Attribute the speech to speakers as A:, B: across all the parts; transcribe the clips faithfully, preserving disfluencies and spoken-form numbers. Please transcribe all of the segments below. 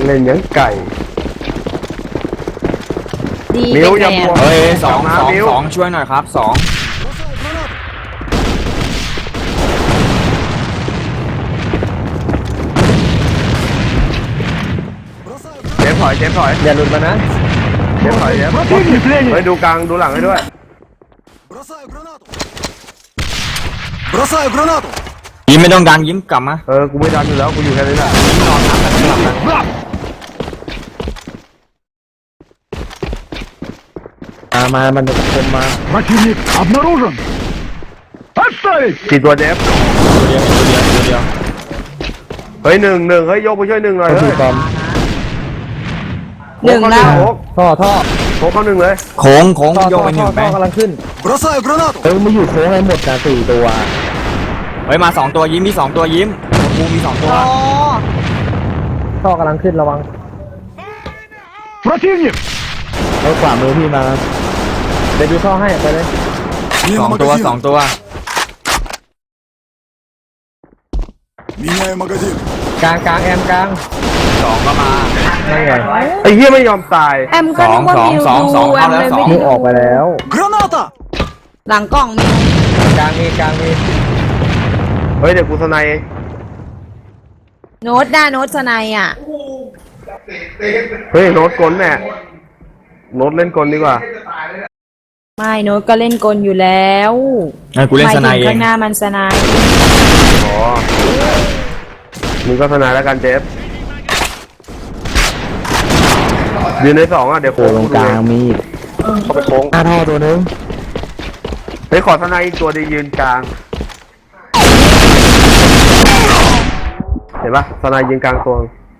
A: เล่นยังไก่
B: มิวอย่ามัว
C: เฮ้ยสองสองสองช่วยหน่อยครับสอง
A: เจฟถอยเจฟถอยอย่าหลุดมานะเจฟถอยเจฟเฮ้ยดูกลางดูหลังให้ด้วย
C: ยิ้มไม่ต้องดันยิ้มกลับมา
A: เออกูไม่ดันอยู่แล้วกูอยู่แค่นี้แหละ
C: ยิ้มนอนทับกันหลับนะ
A: มามามันจะคมมา
D: Противник обнаружен! Отставить!
A: กี่ตัวเจฟ
C: ตัวเดียวตัวเดียวตัวเดียว
A: เฮ้ยหนึ่งหนึ่งเฮ้ยยกไปช่วยหนึ่งหน่อยเฮ้ย
B: หนึ่งแล้ว
A: ท่อท่อโค้งเข้าหนึ่งเลย
C: โค้งโค้งโยกไปหนึ่งไป
A: กำลังขึ้นเออมาอยู่โค้งให้หมดนะสี่ตัว
C: เฮ้ยมาสองตัวยิ้มมีสองตัวยิ้มกูมีสองตัว
A: ท่อกำลังขึ้นระวัง
D: Противник!
A: เอาขวามือพี่มาเดี๋ยวดูท่อให้ไปเลย
C: สองตัวสองตัว
D: Меняю магазин.
A: กลางกลางแอมกลาง
C: สองก็มา
A: นั่นไงไอ้เหี้ยไม่ยอมตาย
B: แอมก็นึกว่ามิวดูแอมเลย
A: มิวออกไปแล้ว
D: Граната!
B: หลังกล่องมิว
A: กลางมีกลางมีเฮ้ยเดี๋ยวกูสไนเอง
B: โน้ตได้โน้ตสไนอ่ะ
A: เฮ้ยโน้ตกลแน่โน้ตเล่นกลดีกว่า
B: ไม่โน้ตก็เล่นกลอยู่แล้ว
C: กูเล่นสไนเอง
B: ข้างหน้ามันสไน
A: อ๋อมึงก็สไนแล้วกันเจฟยืนในสองอ่ะเดี๋ยวโค้งตรงกลางมีเข้าไปโค้งหน้าท่อตัวนึงเฮ้ยขอสไนอีกตัวดียืนกลางเห็นปะสไนยืนกลางตัว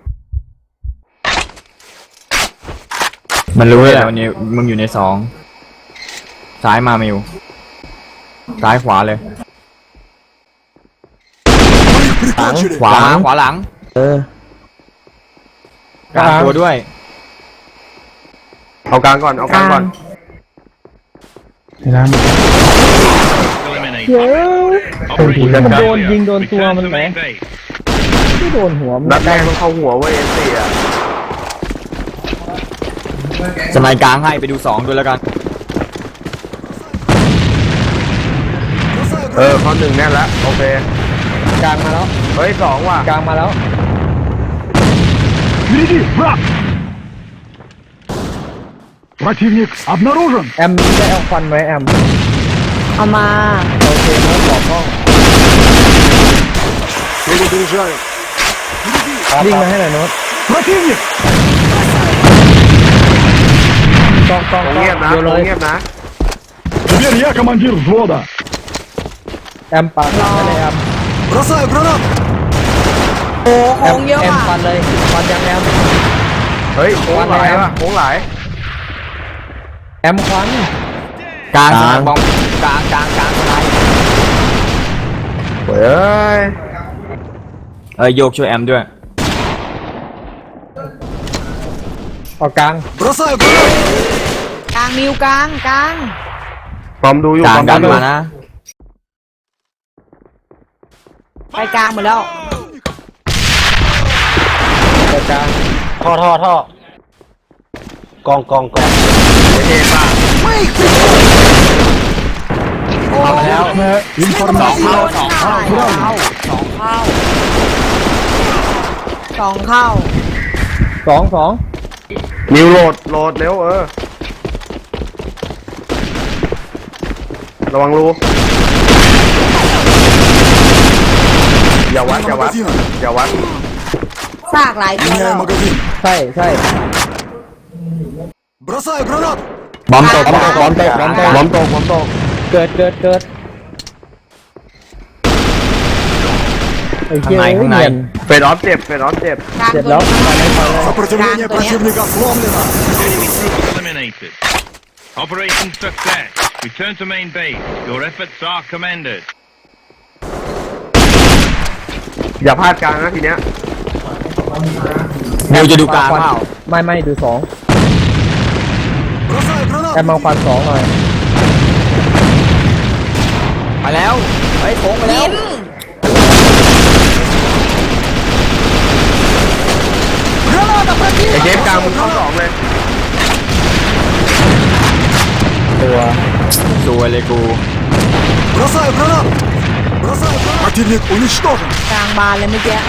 C: มันรู้เลยแหละวันนี้มึงอยู่ในสองซ้ายมามิวซ้ายขวาเลยขวาขวาหลัง
A: เออก
C: ลางตัวด้วย
A: เอากลางก่อนเอากลางก่อนเดี๋ยวมันโดนยิงโดนตัวมันไหมที่โดนหัวมันนัดแรกมันเข้าหัวเว้ยเอสซีอ่ะ
C: สมัยกลางให้ไปดูสองด้วยแล้วกัน
A: เออข้อหนึ่งแน่แล้วโอเคกลางมาแล้วเฮ้ยสองว่ะกลางมาแล้ว
D: Впереди, враг! Противник обнаружен!
A: แอมได้เอาควันไหมแอม
B: เอามา
A: โอเคแล้วบอกกล้องวิ่งมาให้หน่อยโน้ต
D: Противник!
A: กล้องกล้องเงียบนะเงียบนะ
D: Теперь я командир взвода.
A: แอมปัดให้เลยแอม
D: Бросаю гранату.
B: โอ้โค้งเยอะ
A: แอม
B: อ่ะ
A: ปัดเลยปัดยังแอมเฮ้ยโค้งหลายว่ะโค้งหลายแอมควัน
C: กลางบอมกลางกลางกลางอะไร
A: เฮ้ย
C: เออโยกช่วยแอมด้วย
A: เอากลาง
D: Бросаю гранату.
B: กลางมิวกลางกลาง
A: พร้อมดูอยู่
C: กลางดันมานะ
B: ไปกลางหมดแล้ว
A: เอากลางท่อท่อท่อกองกองกองเท่มาก
B: เอา
A: แล้ว
C: สองเข้าสองเข้าสองเข้า
B: สองเข้า
A: สองสองนิวโหลดโหลดเร็วเออระวังรูอย่าวัดอย่าวัดอย่าวัด
B: ซากหลายตัวแล้ว
A: ใช่ใช่
D: Бросаю гранату.
C: บอมตกบอมตก
A: บอมตกบอมตกบอมตกบอมตกเกิดเกิดเกิด
C: ข้างในข้างใน
A: เฟดออฟเจ็บเฟดออฟเจ็บ
B: เจ็บ
A: แล้ว
D: Сопротивление противника сломлено.
E: Eliminated. Operation success. Return to main base. Your efforts are commended.
A: อย่าพลาดกลางนะทีเนี้ย
C: มิวจะดูกลางเปล่า
A: ไม่ไม่ดูสองแอมมาควันสองหน่อย
C: ไปแล้วไปโค้งไปแล้ว
D: Граната
A: เดฟกลางมึงเข้าสองเลย
C: ตัว สวยเลยกู
D: Бросаю гранату! Бросаю гранату! Противник уничтожен!
B: กลางบานเลยเมื่อกี้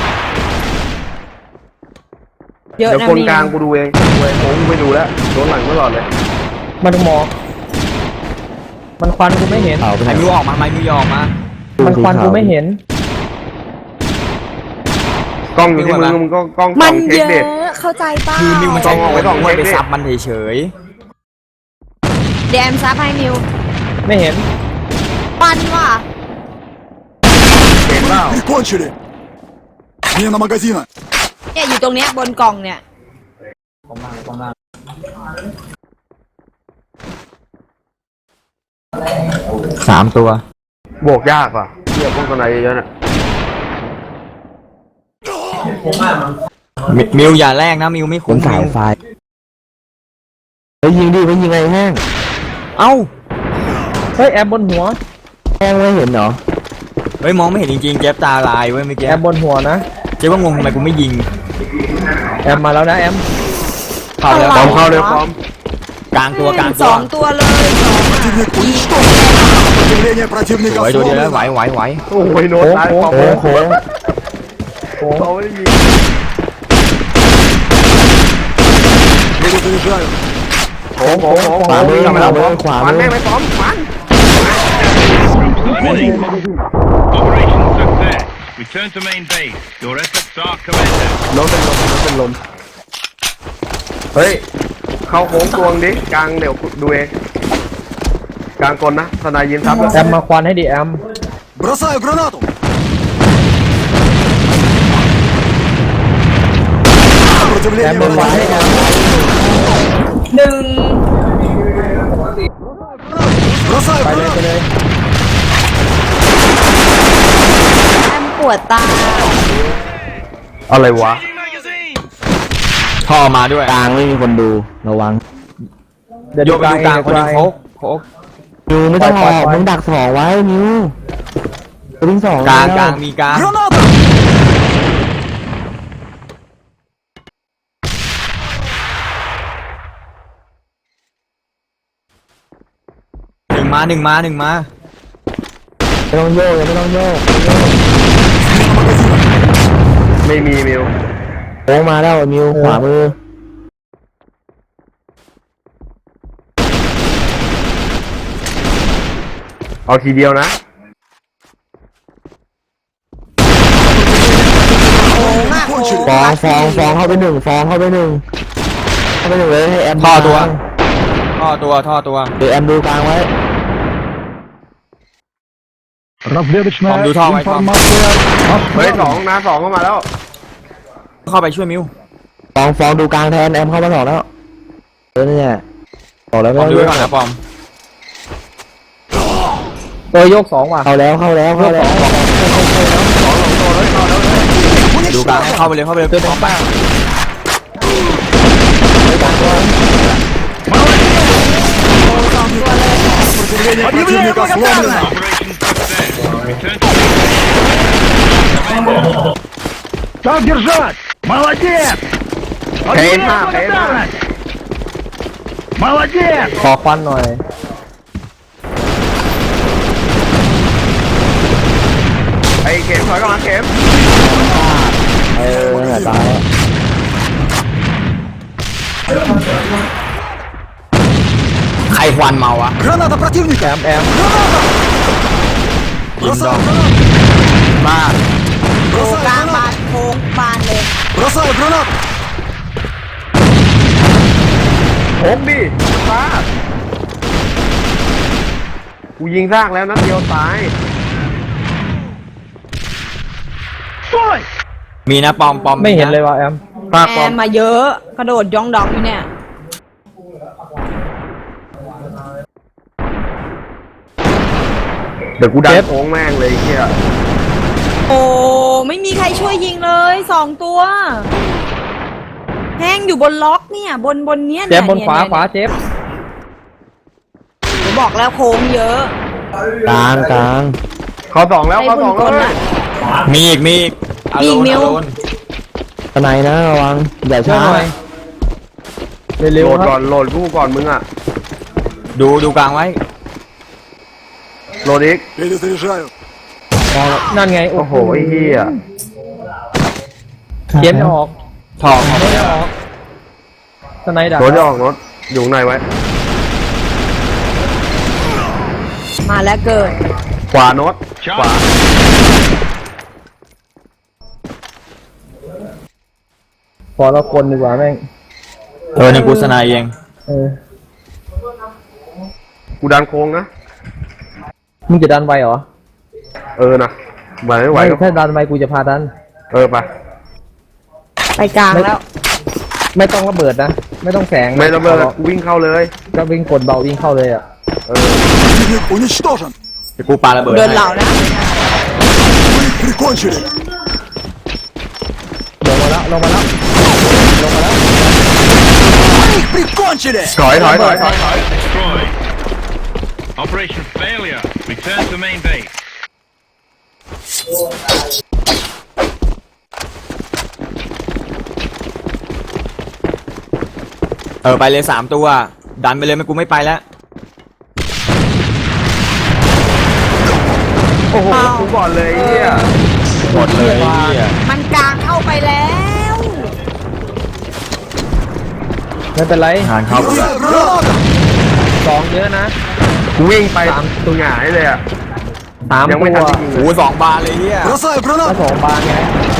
B: เยอะ
A: เดี๋ยว
B: นะ
A: คน
B: มี
A: กลางกูดูเองดูเองผมไม่ดูแล้วโดนหลังตลอดเลย
F: มันหมอกมันควันกูไม่เห็น
C: ไอ้มิวออกมาไอ้มิวออกมา
F: มันควันกูไม่เห็น
A: กล้องอยู่ที่มือมึงก็กล้อง
B: มั
A: ส่อน งเช็
B: เย
A: ค
B: อะ
A: เด็ด
B: เข้าใจเปล่า
C: คือมิวมันใช้
A: ต้องเอาไว้
C: ไว้
A: ก่อน
C: ไว้ไป
A: เว้ย
C: ซับมันเฉย
B: เดมซับให้มิว
F: ไม่เห็น
B: ปันว่ะ
A: เห็นเปล่า
D: Прикончили! Смена магазина!
B: เนี่ยอยู่ตรงเนี้ยบนกล่องเนี่ย
C: ๆสามตัว
A: โบกยากว่ะเทียบพวกคนไหนเยอะๆน่ะ
C: มิมิวอย่าแรกนะมิวไม่คุ้มสายไฟไปยิงดิไปยิงไงแห้งเอ้า
F: เฮ้ยแอบบนหัว
C: แห้งไม่เห็นเหรอเฮ้ยมองไม่เห็นจริงๆเจ็บตาลายเว้ยเมื่อกี้
F: แอบบนหัวนะ
C: เจ๊ว่างงทำไมกูไม่ยิง
F: แอมมาแล้วนะแอม
C: เข้าแล้ว
A: พร้อมเข้าเร็วพร้อม
C: กลางตัวกลาง
B: ส
C: ตัว
B: องตัวเลยสองอะ
D: Противник уничтожен! Сопротивление противника
C: ไว้ตัวเดียวแล้วไหว
D: сломлено!
C: ไหวไหว
A: โอ้ยโน้ต
F: โค้ง
A: ตาย
F: โค้ง
A: ของ
F: โค้งโค้งโค้ง
A: เขาไม่ได้ยิง
D: Перезаряжаю!
A: โอ้โหโอ้โห
F: ขวามือ
A: ขวามือ
F: ขวามือ
A: มันแม่งไม่พร้อมมัน
E: Operation success. Return to main base. Your efforts are commended.
A: ล้มเป็นลมล้มเป็นลมเฮ้ยเข้าโค้งตวงดิกลางเดี๋ยวดูเองกลางกลนะทนายยินทับแล้ว
F: แอมมาควันให้ดิแอม
D: Бросаю гранату! Сопротивление
F: แอมมาควันให้แอม
B: หนึ่ง
D: Бросаю
F: ไปเลย
D: гранату!
F: ไปเลย
B: แอมปวดตา
A: อะไรวะ
C: ท่อมาด้วย
G: กลางไม่มีคนดูระวัง
F: เดี๋ยว
C: โย
F: ดู
C: กไป
F: กลาง
C: ดู
F: เอง
C: กลางคนหนึง
F: เดี๋ยว
C: โคกโคก
G: นิวไม่ต้อง
F: ปล่
G: อ
F: อย
G: อก
F: ปล่อย
G: มึงดักสองไว้นิวตัวที่สอง
C: กลาง
G: แว
C: กลางมีกลาง
D: Граната!
C: หนึ่งมาหนึ่งมาหนึ่งมา
G: ไม่ต้องโยกยังไม่ต้องโยก
A: ไม่มีมิว
G: โค้งมาแล้วนิวขวามือ
A: เอาทีเดียวนะ
B: โค้งอะโค้ง
G: ฟองฟองฟองเข้าไปหนึ่งฟองเข้าไปหนึ่งเข้าไปหนึ่งเลยให้แอม
C: ท่อตัว
G: กลาง
C: ท่อตัวท่อตัว
G: เดี๋ยวแอมดูกลางไว้
D: Разведочная
C: Там душа,
D: информация.
A: เฮ้ยสองนะสองเข้ามาแล้ว
C: เข้าไปช่วยมิว
G: ฟองฟองดูกลางแทนแอมเข้ามาสองแล้วเออเนี่ยบอกแล้ว
C: ป
G: ไม่
C: อม
G: ต้อง
C: ดู
G: โย
C: ไว้
G: ก
C: ก่อนนะปอม
F: ตัวโยกสองว่ะ
G: เข้าแล้วเข้าแล้วเข้าแล้ว
C: ดูกลางให้เข้าไปเลยเข้าไปเลยปอมบ้าง
D: Сопротивление противника сломлено!
E: Operation success. Return to
D: Так держать! Молодец!
A: เคสห้าเคสห้า
D: Молодец!
F: ขอควันหน่อย
A: ไอ้เข็มถอยกลับมาเข็ม
G: เออเนี่ยตายแล้ว
C: ใครควันเมาวะ
D: Граната противника!
F: แอมแอม
C: ยิงดอ
D: Бросаю
C: ง
D: гранату!
C: มาก
B: โค้ง
D: Бросаю
B: กลางบา
D: гранату!
B: นโค้งบานเลย
D: Бросаю гранату!
A: โค้งดิฟ้ากูยิงซากแล้วนัดเดียวตาย
C: มีนะปอมปอม
F: ไม่เห็นเลยว่ะแอม
A: ซาก
B: แอ
A: ปลอม
B: มมาเยอะกระโดดย่องดองอยู่เนี่ย
A: เดี๋ยวกูดัน
F: เจ็บ
A: โค้งแม่งเลยไอ้เฮีย
B: โอ้ไม่มีใครช่วยยิงเลยสองตัวแห้งอยู่บนล็อกเนี่ยบนบนเนี้ย
F: เจ็
B: เนี่
F: บ
B: ย
F: บนขวา
B: เย
F: ขวาเจ็บ
B: หนูบอกแล้วโค้งเยอะ
G: กลางกลาง
A: เขาสองแล้วเขาสองแล้ว
B: ไอ้บุญกล
A: เว้ย
B: น่ะ
C: มีอีกมีอีกอ
B: มี
C: โล
B: อีก
C: น
B: มิว
C: อโลน
G: ทนายนะระวังอย่า
F: ช่วย
G: ช้า
F: หน่อยเร็
A: โห
F: ว
A: ลด
F: ๆค
A: ก่อ
F: รับ
A: นโหลดกูก่อนมึงอ่ะ
C: ดูดูกลางไว้
A: โหลดอีก
D: Перезаряжаю.
F: นั่นไง
A: โอ้โหไอ้เหี้ย
F: เกมจะออก
C: ถอด
F: เกมจะออกสไนด์ดัก
A: รถจะออกรถอยู่ข้างในไว้
B: มาแล้วเกิด
A: ขวาโน้ตขวา
F: พอเราคนดีกว่าแม่ง
C: เออในกูสนายเอง
F: เออ
A: กูดันโค้งนะ
F: มึงจะดันไวเหรอ
A: เออนะไหวไม่ไหว
F: ไม่
A: ก็
F: ถ้าดันไวกูจะพาดัน
A: เออไป
B: ไปกลางแล้ว
F: ไม่ต้องระเบิดนะ ไม่ต้องแสง
A: ไม่ระเบิด
F: อา
A: กูวิ่งเข้าเลย
F: ก็วิ่งกดเบาวิ่งเข้าเลยอ่ะ
A: เออ
D: Противник уничтожен.
C: เดี๋ยวกูปาระเบิด
B: เดิน
C: ให้
B: เหล่านะ
D: Вы их прикончили.
F: ลงมาแล้วลงมาแล้วลงมาแล้ว
D: Вы их прикончили.
A: ถอยถอยถอยถอยถอย
E: Destroyed. Operation failure. Return to main base.
C: เออไปเลยสามตัว ดันไปเลยไม่กูไม่ไปแล้ว
A: โอ้โหกูก่อนเลยไอ้เหี้ย
C: หมดเลยไอ้เหี้ย
B: มันกลางเข้าไปแล้ว
F: ไม่เป็นไร
C: งานเข้าไปแล้ว
D: Граната.
F: สองเยอะนะ
A: กูวิ่งไป
F: สาม
A: ตัวหงายเลยอ่ะ
F: สาม
A: ยังไม่
F: ตั
A: ทัน
F: ว
A: ได้ยิงเล
C: โอ้
A: ย
C: สองบาทเลยเหี้ย
D: Бросаю
F: ก็
D: гранату.
F: สองบานไง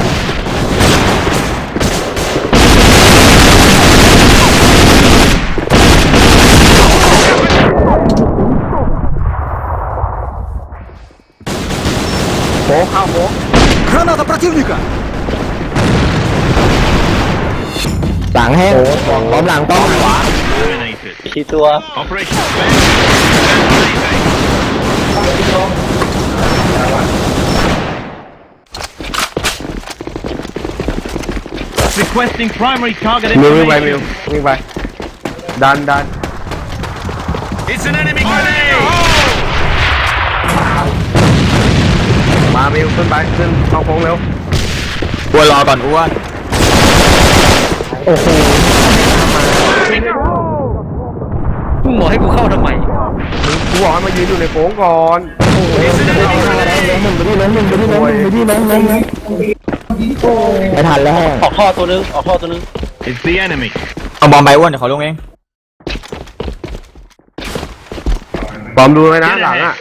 A: โค้งเข้าโค้ง
D: Граната противника.
G: หลังแห้งพร้อมหลังต้อง
E: Eliminated.
F: กี่ตัว
E: Operation failure. Return to main base. Requesting primary target
A: มิววิ่งไปมิว
E: information.
A: วิ่งไปดันดัน
E: It's an enemy grenade.
A: มามิวขึ้นไปขึ้นเข้าโค้งเร็ว
C: อ้วนรอก่อนอ้วน
F: โอ้โหมึงบอกให้กูเข้าทำไม
A: กูบอกให้มายืนอยู่ในโค้งก่อน
G: ล้มหนึ่งไปที่ล้มหนึ่งไปที่ล้มหนึ่งไปที่ล้มหนึ่งไม่ทันแล้วแห้ง
F: ออกท่อตัวนึงออกท่อตัวนึง
E: It's the enemy.
C: เอาบอมไปอ้วนเดี๋ยวเขาลงเอง
A: ปลอมดูเลยนะหลังอ่ะ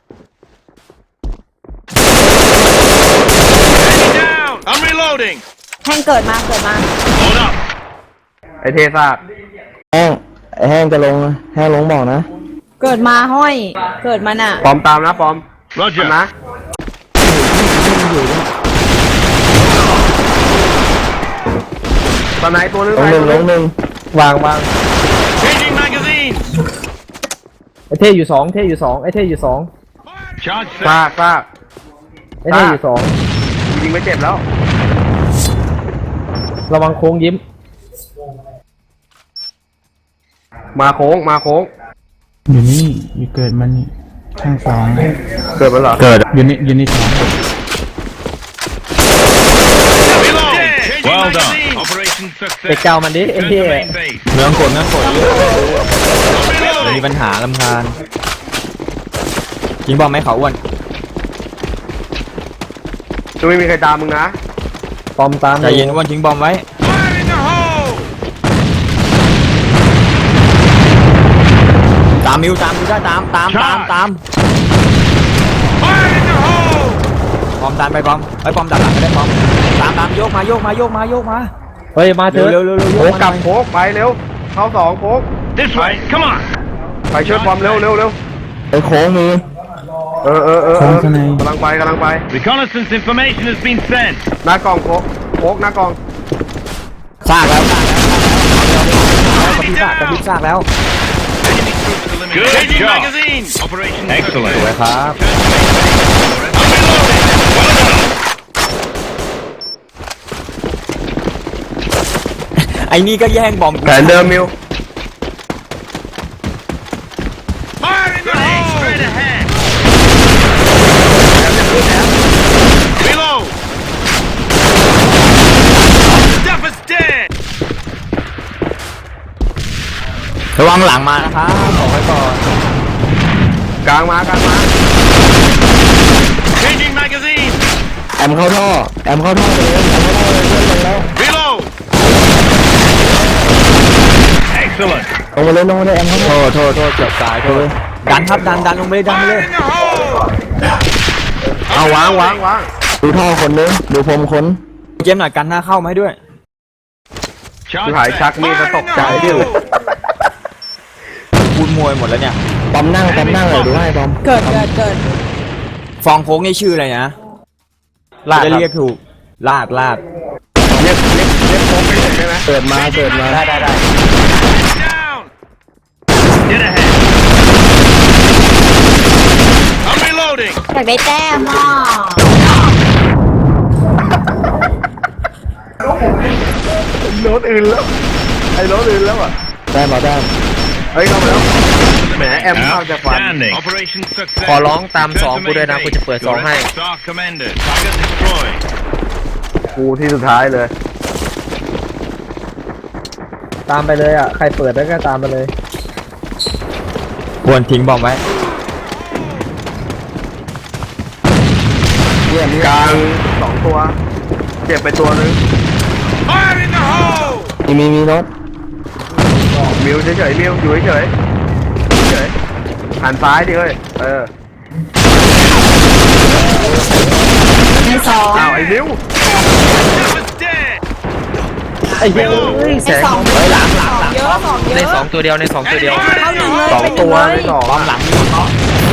E: Enemy down. I'm reloading.
B: แห้งเกิดมาเกิดมา
E: Hold up.
A: ไอเทซาก
G: แห้งไอ้แห้งจะลงนะแห้งลงบอกนะ
B: เกิดมาห้อย เกิดมาน่ะ
A: ปลอมตามนะปลอม
E: Roger.
A: นะตอนไหนตัวนึง
G: ลงหนึ่งลงหนึ่ง
F: วางวาง
E: Changing magazines.
F: ไอเท่อยู่สองเท่อยู่สองไอเท่อยู่สอง
E: Charge
A: ซา
E: set.
A: กซาก
F: ไอเท่อยู่สอง
A: ยิงไม่เจ็บแล้ว
F: ระวังโค้งยิ้ม
A: มาโค้งมาโค้ง
H: อยู่นี่อยู่เกิดมันนี่ข้างสอง
A: เกิดมันเหรอ
C: เกิด
H: อยู่นี่อยู่นี่สอง
E: Reload. Well done. Operation
F: ไป
E: success.
F: เจ้ามันดิไอ
E: Return
F: เท่
E: to main base.
C: เมืองกดเมืองกด
E: I'm
C: เดี๋ยวมี
E: reloading.
C: ปัญหาลำคาญยิงบอมไหมเขาอ้วน
A: จะไม่มีใครตามมึงนะ
F: ปอมตาม
C: ใจเย็นอ้วนทิ้งบอมไว้
E: Fire in the hole.
C: ตามมิวตามมิวได้ตามตามตามตาม
E: Fire in the hole.
C: บอมตามไปบอมไอ้ยบอมดักหลังก็ได้บอมตามตามโยกมาโยกมาโยกมาโยกมา
F: เฮ้ยมาเถ
C: เร็ว
F: อะ
C: เร็วเร็วเร็วโย
A: โค้
C: ก
A: ง
C: มาก
A: ลับโค้งไปเร็ว เข้าสองโค้ง
E: This way. Come on.
A: ไปช่วยปลอมเร็วเร็วเร็ว
G: ไอ้โค้งมี
A: เออเออเออเอ
H: โค้ง
A: อ
H: ข้างใน
A: กำลังไปกำลังไป
E: Reconnaissance information has been sent.
A: หน้ากล่องโค้งโค้งหน้ากล่อง
C: ซากแล้วซากแล้วกระพริบซากกระพริบซากแล้ว
E: Enemy troops eliminated. Good Changing job. magazines. Operation excellent.
C: สวยครับ
E: I'm reloading. Well done.
C: ไอ้นี่ก็แย่งบอม
A: แผนเดิมมิว
E: Fire in the hole. Straight ahead. Reload. Stuff is dead.
C: ระวังหลังมานะครับบอกไว้ก่อน
A: กลางมากลางมา
E: Changing magazine.
G: แอมเข้าท่อแอมเข้าท่อไปเลยแอมเข้าท่อเลยเพื่อนลงแล้ว
E: Reload. Excellent.
G: ลงมาเลยลงมาเลยแอมเข้า
C: โท
G: ท่อ
C: ษโทษโทษเกือบตายโทษดันครับดันดันลงไปเลยดันไปเลย
E: Fire in the hole.
A: เอาวางวางวาง
G: ดูท่อคนนึงดูพรมคน
C: เกมหน่อยกันหน้าเข้ามาให้ด้วย
E: Charge
A: ที่หาย
E: set.
A: ชักมีดจะตกใจ
E: Fire in the
A: ดิว
E: hole.
C: พูดมวยหมดแล้วเนี่ย
G: ปอมนั่งปอมนั่งเลยดูให้ปอม
B: เกิดเกิดเกิด
C: ฟองโค้งนี่ชื่ออะไรนะ
A: ลาด
C: จะ
A: ครับ
C: เรียกถูกลาดลาด
A: เรียกเรียกเรียกโค้งไปเลยใช่ไหม
G: เกิดมาเกิดมา
A: ได้ได้ได้
E: Down. Get ahead. I'm reloading.
B: อยากได้แต้มอ่ะ
A: รถอื่นแล้วไอ้รถอื่นแล้วอ่ะ
G: ได้มาได้
A: เฮ้ยเข้ามาแล้วแหมแอมเข้าจากฟัน
E: Outstanding. Operation success.
A: ขอร้องตามสอง
E: Return to
A: กูด้วยนะ
E: main
A: กูจะเปิด
E: base.
A: สอง
E: Your
A: ให้
E: efforts are commended. Target destroyed.
A: กูที่สุดท้ายเลย
F: ตามไปเลยอ่ะ ใครเปิดได้ก็ตามไปเลย
C: ควรทิ้งบอมไว้
G: เยี่ยม
A: กลางสองตัว เจ็บไปตัวนึง
E: Fire in the hole.
G: มีมีมีรถ
A: มิวเฉยๆมิวอยู่เฉยๆเฉยๆหันซ้ายดิเฮ้ยเออ
B: ในสอง
A: อ้าวไอ้มิว
E: It's dead.
F: ไอ้เหี้ย
B: ในสองเยอะสองเยอะสองเยอะ
C: ในสองตัวเดียวในสองตัวเดียว
B: เข้าหนึ่งเลย
A: สอง
B: ไปหนึ่
A: ตั
B: ง
A: ว
B: เล
A: ใน
B: ย
A: สอง
C: บอมหลังมีเขา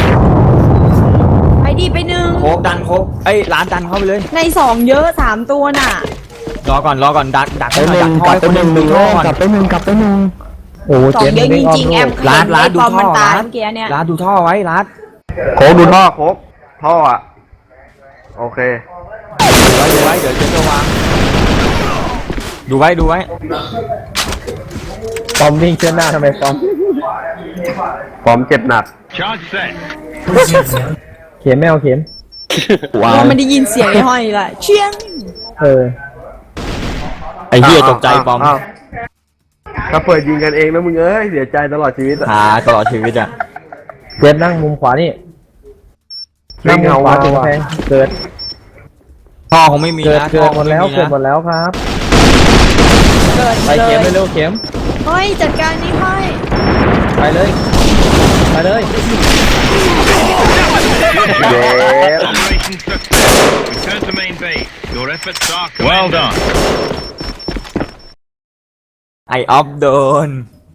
B: ไปดีไปหนึ่ง
C: โคกดันโคกเอ้ยร้านดันเข้าไปเลย
B: ในสองเยอะสามตัวน่ะ
C: รอก่อนรอก่อนดักดัก
G: ไป
C: ให้ห
G: ห
C: น่อย
G: นึ่
C: ดั
G: ง
C: กท
G: ก
C: อ
G: ลั
C: ย
G: บ
C: ค
G: ไป
C: น
G: ห
C: ห
G: นึ่
C: นึ่
G: ง
C: ง
G: หนึ่ง
C: ดู
G: โอ้
C: ท่อก่อน
G: กลับไปหนึ่งกลับไปหนึ่ง
F: โอ้โห
B: สอง
F: เจม
B: เยอะจ
F: ไม่อ้อม
B: ริงๆ
F: โล
B: แอก ม
C: ร้านร้านดู
B: คอม
C: ท่
B: มัน
C: อ
B: ตาย
C: ร้าน
B: เมื่อกี้เนี่ย
C: ร้านดูท่อไว้ร้าน
A: โค้กดูท่อโค้กท่ออ่ะโอเค
C: ดูไว้ดูไว้เดี๋ยวเจะจะวางดูไว้ดูไว้
F: ปอมวิ่งเชื่อหน้าทำไมปอม
A: พร้อมเจ็บหนัก
E: Charge set.
F: เข็มไม่เอาเข็ม
G: ว้า
B: เราไม่ได้ยินเสียงไอ้ห้อยเลยเชียง
F: เออ
C: ไอ้เหี้ยตกใจบอม
A: าวถ้าเปิดยิงกันเองนะมึงเอ้ยเสียใจตลอดชีวิตอะ
C: หาตลอดชีวิตอ่ะ
F: เจมนั่งมุมขวานี่
A: วิ่
F: นั่ง
A: ง
F: มุม
A: เอา
F: ขวา
A: ว่า
F: ถึงแพงเกิด
C: ท่อคงไม่มี
F: เกิด
C: นะ
F: เกิ
C: ท่อ
F: ด
C: ค
F: หม
C: ง
F: ด
C: ไม่
F: แล้ว
C: มี
F: เกิดหม
C: นะ
F: ดแล้วครับ
B: เกิด
F: ไป
B: มาเล
F: เข็มไป
B: ย
F: เร็วเข็ม
B: ห้อยจัดการนี่ห้อย
F: ไปเลย ไปเลย
A: เย้
E: Operation success. Return to main base. Your efforts are commended. Well done.
C: ไอออฟโดน